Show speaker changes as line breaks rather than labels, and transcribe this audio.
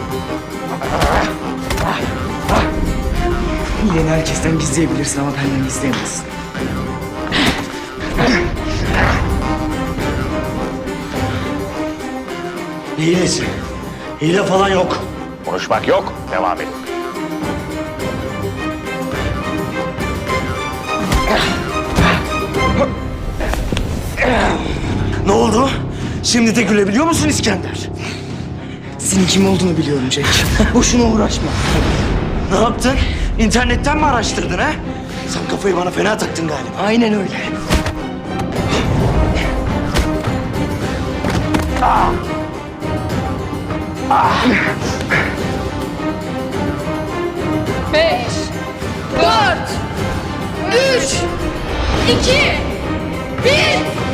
Hileni herkesten gizleyebilirsin ama benden gizleyemezsin.
Ne hilesi? Hile falan yok.
Konuşmak yok, devam edin.
Ne oldu? Şimdi de gülebiliyor musun İskender?
Senin kim olduğunu biliyorum Jack. Boşuna uğraşma.
Ne yaptın? İnternetten mi araştırdın ha? Sen kafayı bana fena taktın galiba.
Aynen öyle.
Beş, dört, üç, iki, bir.